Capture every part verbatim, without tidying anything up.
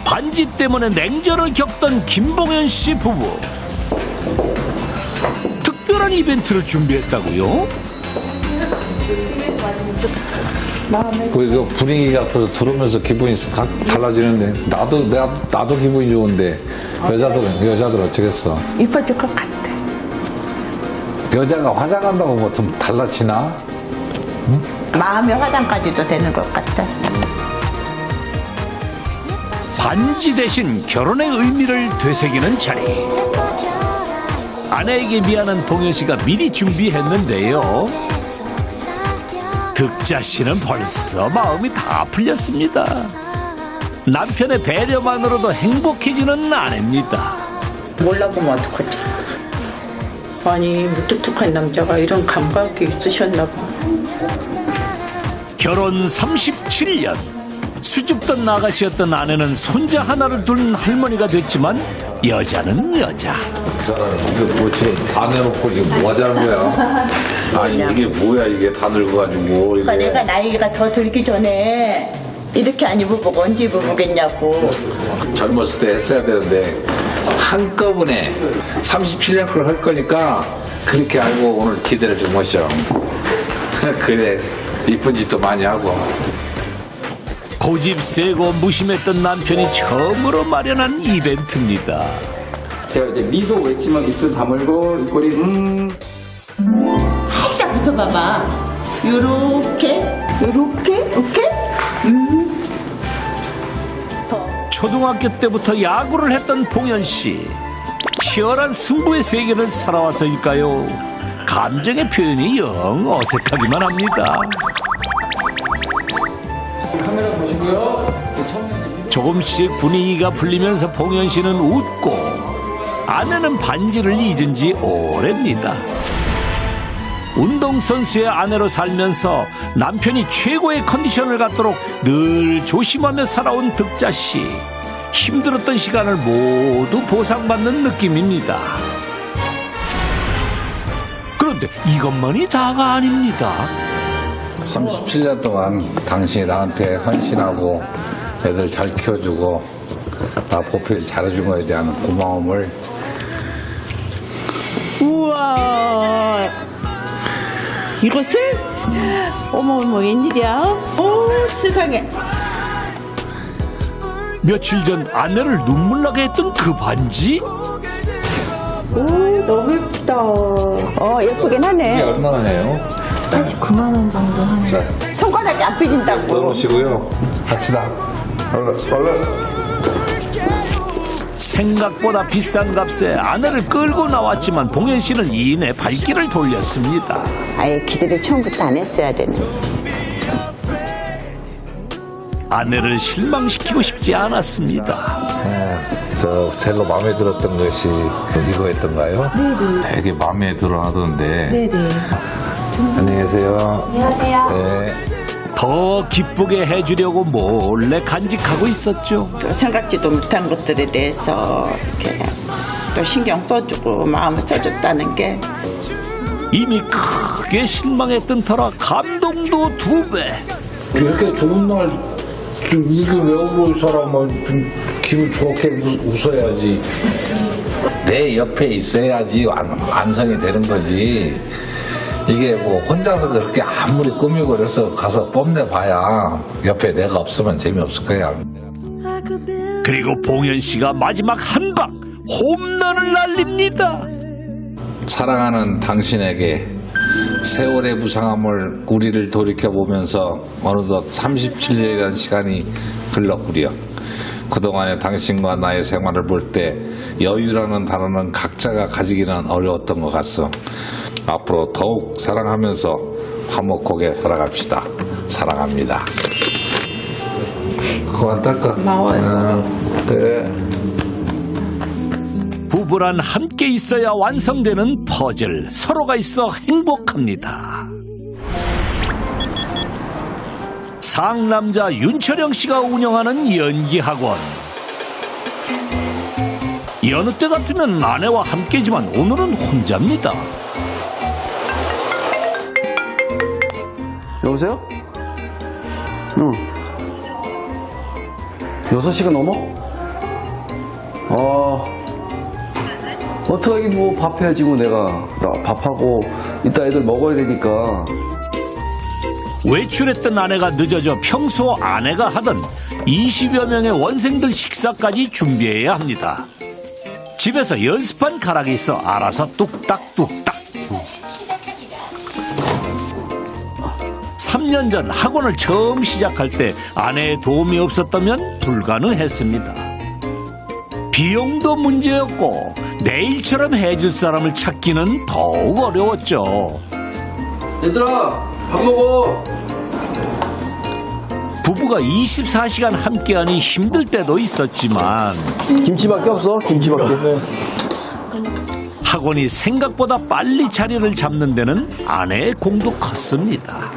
반지 때문에 냉전을 겪던 김봉현 씨 부부. 특별한 이벤트를 준비했다고요? 그 분위기가 앞에서 들으면서 기분이 다 달라지는데 나도 내가 나도 기분이 좋은데 여자들은 여자들 어쩌겠어. 이뻐질 것 같아. 여자가 화장한다고 뭐 좀 달라지나? 마음의 화장까지도 되는 것 같아. 반지 대신 결혼의 의미를 되새기는 자리. 아내에게 미안한 봉현 씨가 미리 준비했는데요. 득자 씨는 벌써 마음이 다 풀렸습니다. 남편의 배려만으로도 행복해지는 아내입니다. 몰라보면 어떡하지? 아니, 무뚝뚝한 남자가 이런 감각이 있으셨나 봐. 결혼 삼십칠 년. 수줍던 아가씨였던 아내는 손자 하나를 둔 할머니가 됐지만 여자는 여자. 그 사람은 이게 뭐 지금 다 내놓고 지금 뭐 하자는 거야? 아니 이게 뭐야 이게 다 늙어가지고 그러니까 이게. 내가 나이가 더 들기 전에 이렇게 안 입어보고 언제 입어보겠냐고. 젊었을 때 했어야 되는데 한꺼번에 삼십칠 년 걸 할 거니까 그렇게 알고 오늘 기대를 준 것이죠. 그래 이쁜 짓도 많이 하고. 고집 세고 무심했던 남편이 처음으로 마련한 이벤트입니다. 제가 이제 미소 외치면 입술 다물고 입꼬리 음 살짝 붙어봐봐. 요렇게, 요렇게, 이렇게. 초등학교 때부터 야구를 했던 봉현 씨. 치열한 승부의 세계를 살아와서일까요? 감정의 표현이 영 어색하기만 합니다. 카메라 보시고요. 조금씩 분위기가 풀리면서 봉현 씨는 웃고 아내는 반지를 잊은 지 오래입니다. 운동선수의 아내로 살면서 남편이 최고의 컨디션을 갖도록 늘 조심하며 살아온 득자 씨. 힘들었던 시간을 모두 보상받는 느낌입니다. 그런데 이것만이 다가 아닙니다. 삼십칠 년 동안 당신이 나한테 헌신하고 애들 잘 키워주고 나 보필 잘해준 거에 대한 고마움을. 우와. 이것을? 어머, 어머, 웬일이야? 오, 세상에. 며칠 전 아내를 눈물나게 했던 그 반지? 오, 너무 예쁘다. 어, 예쁘긴 이게 하네. 얼마나 해요? 팔십구만 원 정도 하는. 손가락이 안 삐진다고. 떠놓으시고요. 갑시다. 얼른 얼른. 생각보다 비싼 값에 아내를 끌고 나왔지만 봉현 씨는 이내 발길을 돌렸습니다. 아예 기대를 처음부터 안 했어야 되는. 아내를 실망시키고 싶지 않았습니다. 네, 저 젤로 마음에 들었던 것이 이거였던가요? 네네. 되게 마음에 들어 하던데. 네네. 안녕히 계세요. 안녕하세요. 네. 더 기쁘게 해주려고 몰래 간직하고 있었죠. 또 생각지도 못한 것들에 대해서 이렇게 또 신경 써주고 마음을 써줬다는 게 이미 크게 실망했던 터라 감동도 두 배. 이렇게 좋은 날, 좀 이게 왜 울어, 이 사람아. 좀 기분 좋게 웃- 웃어야지. 내 옆에 있어야지 완, 완성이 되는 거지. 이게 뭐 혼자서 그렇게 아무리 꾸미고 그래서 가서 뽐내봐야 옆에 내가 없으면 재미없을 거야. 그리고 봉현 씨가 마지막 한 방 홈런을 날립니다. 사랑하는 당신에게 세월의 무상함을 우리를 돌이켜보면서 어느덧 삼십칠 년이라는 시간이 흘렀구려. 그동안의 당신과 나의 생활을 볼 때 여유라는 단어는 각자가 가지기는 어려웠던 것 같소. 앞으로 더욱 사랑하면서 화목하게 살아갑시다. 사랑합니다. 그만 닦아. 고마워요. 그래. 부부란 함께 있어야 완성되는 퍼즐. 서로가 있어 행복합니다. 상남자 윤철영 씨가 운영하는 연기학원. 여느 때 같으면 아내와 함께지만 오늘은 혼자입니다. 여보세요? 응. 여섯 시가 넘어? 아, 어떡하긴 뭐 밥 해야지 뭐 내가. 나 밥하고 이따 애들 먹어야 되니까. 외출했던 아내가 늦어져 평소 아내가 하던 이십여 명의 원생들 식사까지 준비해야 합니다. 집에서 연습한 가락이 있어 알아서 뚝딱뚝딱. 삼 년 전 학원을 처음 시작할 때 아내의 도움이 없었다면 불가능했습니다. 비용도 문제였고 내일처럼 해줄 사람을 찾기는 더욱 어려웠죠. 얘들아, 밥 먹어. 부부가 이십사 시간 함께하니 힘들 때도 있었지만 김치밖에 없어, 김치밖에. 학원이 생각보다 빨리 자리를 잡는 데는 아내의 공도 컸습니다.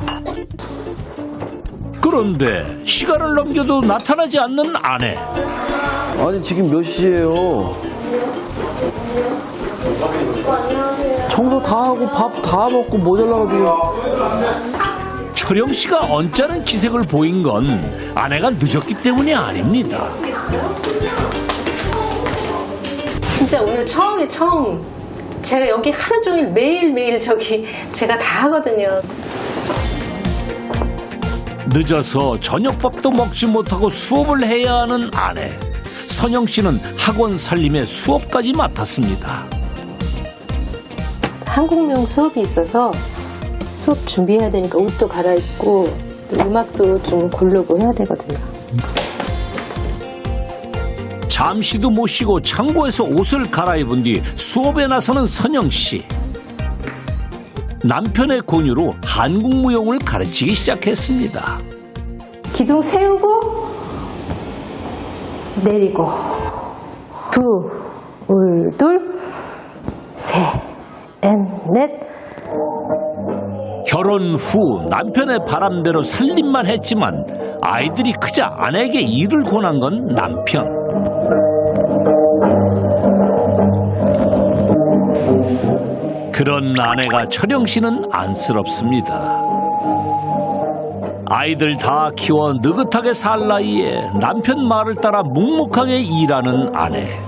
그런데 시간을 넘겨도 나타나지 않는 아내. 아니, 지금 몇 시예요? 청소 다 하고 밥 다 먹고 모자라가지고. 철영 씨가 언짢은 기색을 보인 건 아내가 늦었기 때문이 아닙니다. 진짜 오늘 처음이 처음. 제가 여기 하루 종일 매일매일 저기 제가 다 하거든요. 늦어서 저녁밥도 먹지 못하고 수업을 해야 하는 아내. 선영 씨는 학원 살림에 수업까지 맡았습니다. 한국명 수업이 있어서 수업 준비해야 되니까 옷도 갈아입고 또 음악도 좀 고르고 해야 되거든요. 잠시도 못 쉬고 창고에서 옷을 갈아입은 뒤 수업에 나서는 선영 씨. 남편의 권유로 한국 무용을 가르치기 시작했습니다. 기둥 세우고 내리고 두, 울, 둘, 셋, 넷. 결혼 후 남편의 바람대로 살림만 했지만 아이들이 크자 아내에게 일을 권한 건 남편. 그런 아내가 철영 씨는 안쓰럽습니다. 아이들 다 키워 느긋하게 살 나이에 남편 말을 따라 묵묵하게 일하는 아내.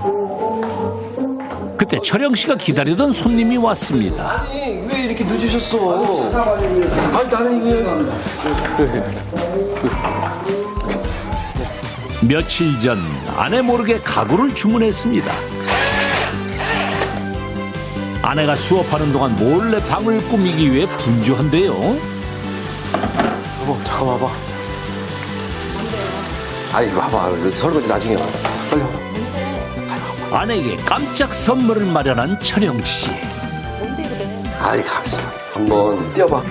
그때 철영 씨가 기다리던 손님이 왔습니다. 아니, 왜 이렇게 늦으셨어? 아니, 나는 이게. 며칠 전 아내 모르게 가구를 주문했습니다. 아내가 수업하는 동안 몰래 방을 꾸미기 위해 분주한데요. 여보, 잠깐 와봐. 아니, 와봐. 설거지 나중에 와. 빨리 와봐. 아내에게 깜짝 선물을 마련한 철영 씨. 아이, 가만있어. 한번 뛰어봐.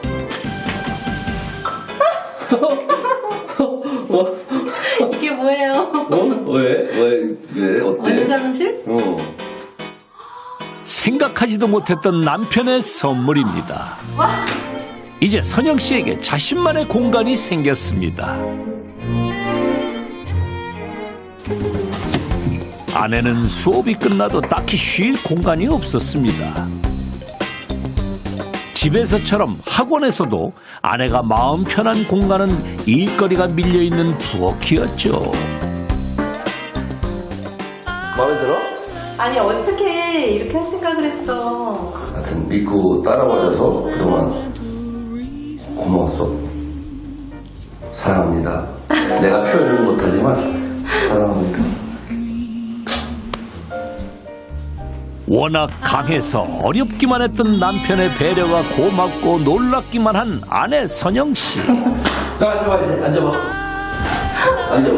이게 뭐예요? 어? 왜? 왜? 왜? 어때? 원장실? 어. 생각하지도 못했던 남편의 선물입니다. 이제 선영 씨에게 자신만의 공간이 생겼습니다. 아내는 수업이 끝나도 딱히 쉴 공간이 없었습니다. 집에서처럼 학원에서도 아내가 마음 편한 공간은 일거리가 밀려있는 부엌이었죠. 마음에 들어? 아니 어떻게 이렇게 할 생각을 했어? 하여튼 믿고 따라와줘서 그동안 고마웠어. 사랑합니다. 내가 표현은 못하지만 사랑합니다. 워낙 강해서 어렵기만 했던 남편의 배려가 고맙고 놀랍기만 한 아내 선영 씨. 앉아봐, 이제 앉아봐. 앉아봐.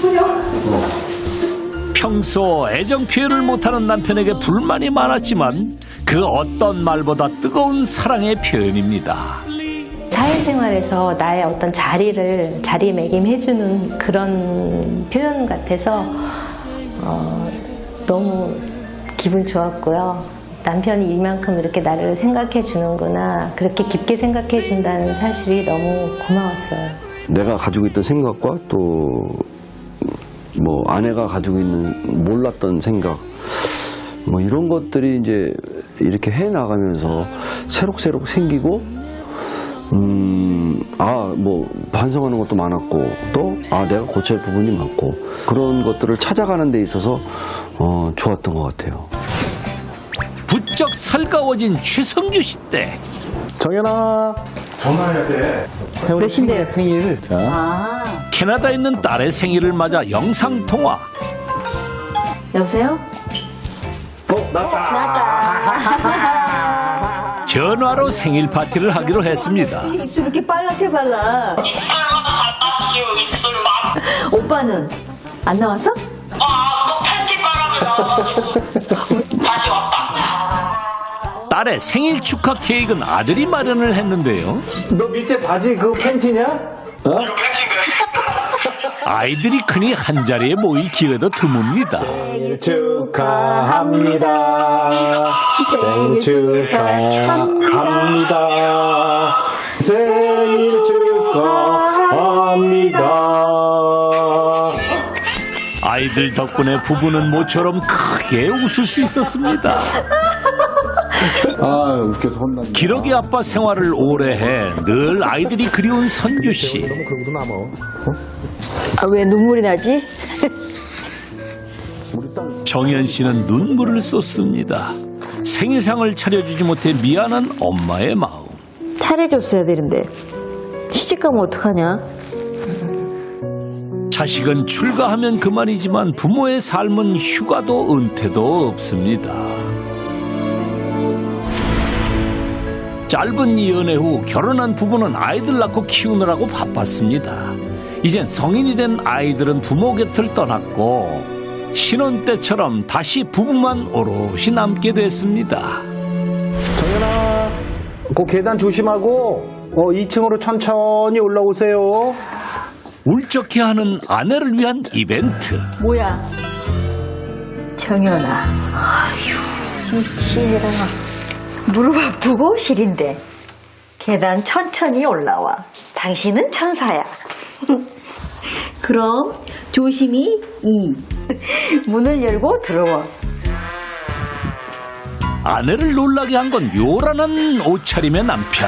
평소 애정 표현을 못하는 남편에게 불만이 많았지만 그 어떤 말보다 뜨거운 사랑의 표현입니다. 사회생활에서 나의 어떤 자리를 자리매김해주는 그런 표현 같아서 어, 너무 기분 좋았고요. 남편이 이만큼 이렇게 나를 생각해 주는구나, 그렇게 깊게 생각해 준다는 사실이 너무 고마웠어요. 내가 가지고 있던 생각과 또 뭐 아내가 가지고 있는 몰랐던 생각, 뭐 이런 것들이 이제 이렇게 해 나가면서 새록새록 생기고 음, 아, 뭐, 반성하는 것도 많았고, 또, 아, 내가 고칠 부분이 많고, 그런 것들을 찾아가는 데 있어서, 어, 좋았던 것 같아요. 부쩍 살가워진 최성규 씨 때 정연아 전화해야 돼. 몇인데요 생일? 자. 캐나다에 있는 딸의 생일을 맞아 영상 통화. 여보세요? 전화로 생일 파티를 하기로 했습니다. 입술 이렇게 빨갛게 발라. 입술만 닮았시오, 입술만. 오빠는 안 나왔어? 아, 또 팬티 바람이 나와가지고 다시 왔다. 딸의 생일 축하 케이크는 아들이 마련을 했는데요. 너 밑에 바지 그거 팬티냐? 어? 이거 팬티인데. 아이들이 크니 한자리에 모일 기회도 드뭅니다. 생일 축하합니다. 생일 축하합니다. 생일 축하합니다. 아이들 덕분에 부부는 모처럼 크게 웃을 수 있었습니다. 아 웃겨서 혼났네. 기러기 아빠 생활을 오래 해 늘 아이들이 그리운 선규 씨. 너무 그러고도 남아. 아, 왜 눈물이 나지? 정연 씨는 눈물을 쏟습니다. 생일상을 차려주지 못해 미안한 엄마의 마음. 차려줬어야 되는데 시집가면 어떡하냐? 자식은 출가하면 그만이지만 부모의 삶은 휴가도 은퇴도 없습니다. 짧은 연애 후 결혼한 부부는 아이들 낳고 키우느라고 바빴습니다. 이젠 성인이 된 아이들은 부모 곁을 떠났고 신혼 때처럼 다시 부부만 오롯이 남게 됐습니다. 정연아, 그 계단 조심하고 어, 이 층으로 천천히 올라오세요. 울적해하는 아내를 위한 이벤트. 뭐야? 정연아, 아휴, 미치해라. 무릎 아프고 시린데 계단 천천히 올라와. 당신은 천사야. 그럼 조심히 이 문을 열고 들어와. 아내를 놀라게 한 건 요란한 옷차림의 남편.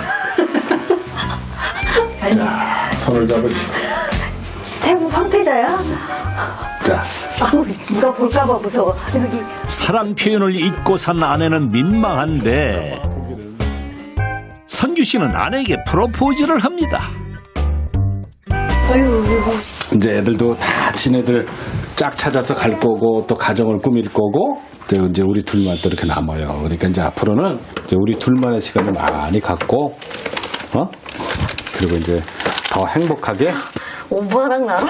손을 잡으시고. 태국 황태자야? 자, 아우, 누가 볼까봐 무서워. 여기 사랑 표현을 잊고 산 아내는 민망한데 선규 씨는 아내에게 프로포즈를 합니다. 이제 애들도 다 친애들 짝 찾아서 갈 거고 또 가정을 꾸밀 거고 이제 이제 우리 둘만 또 이렇게 남아요. 그러니까 이제 앞으로는 이제 우리 둘만의 시간을 많이 갖고 어 그리고 이제 더 행복하게. 오빠랑 나랑?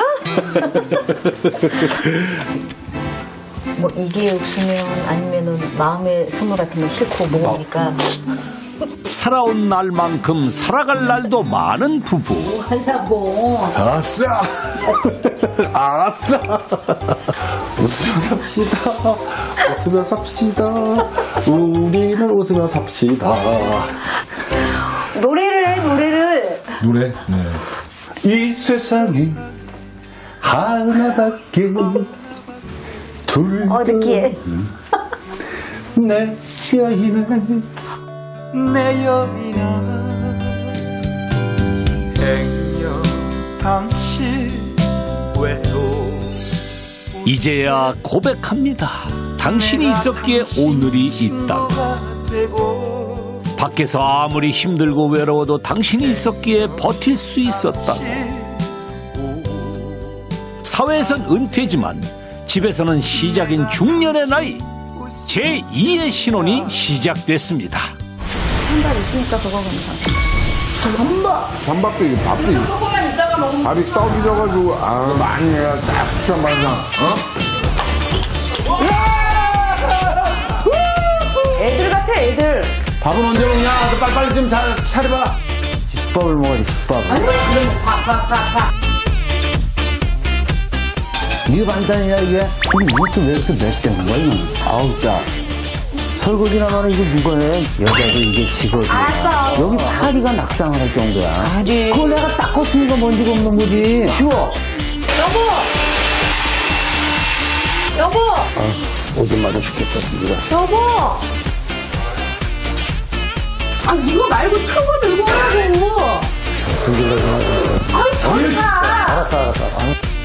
뭐 이게 없으면 아니면은 마음의 선물 같은 거 싫고 먹으니까 살아온 날만큼 살아갈 날도 많은 부부. 한다고. 아싸! 아싸! 웃으며 삽시다. 웃으며 삽시다. 우리는 웃으며 삽시다. 노래를 해 노래를. 노래? 네. 이 세상에 하나밖에 둘. 어 느끼해. 내 여인아 내 여인아 행여 당신 외로 이제야 고백합니다. 당신이 있었기에 오늘이 있다고. 밖에서 아무리 힘들고 외로워도 당신이 있었기에 버틸 수 있었다고. 사회에선 은퇴지만 집에서는 시작인 중년의 나이. 제이의 신혼이 시작됐습니다. 찬밥 있으니까 그거 건가? 찬밥도 이게 밥도 조금만 있다가 먹으면 밥이 떡이져가지고 아 많이 해야 딱 숙취한 반상 어? 애들 같아 애들. 밥은 언제 먹냐? 너 빨리빨리 좀 다 차려봐. 집밥을 먹어야지, 집밥. 아니 그럼 밥밥밥밥 이게 반찬이야, 이게? 이것도 왜 이렇게 맵게 한 거야, 이건? 아우, 짜. 설거지나 하면 이게 누가 해? 여자도 이게 직업이야. 알았어. 여기 파리가 낙상을 할 정도야. 아니. 그걸 내가 닦았으니까 먼지가 없는 거지. 쉬워. 여보. 여보. 아, 오줌 맞아 죽겠다, 진짜. 여보. 아 이거 말고 큰 거 들고 오라고. 승질나지 마. 아이 정말. 알았어, 알았어.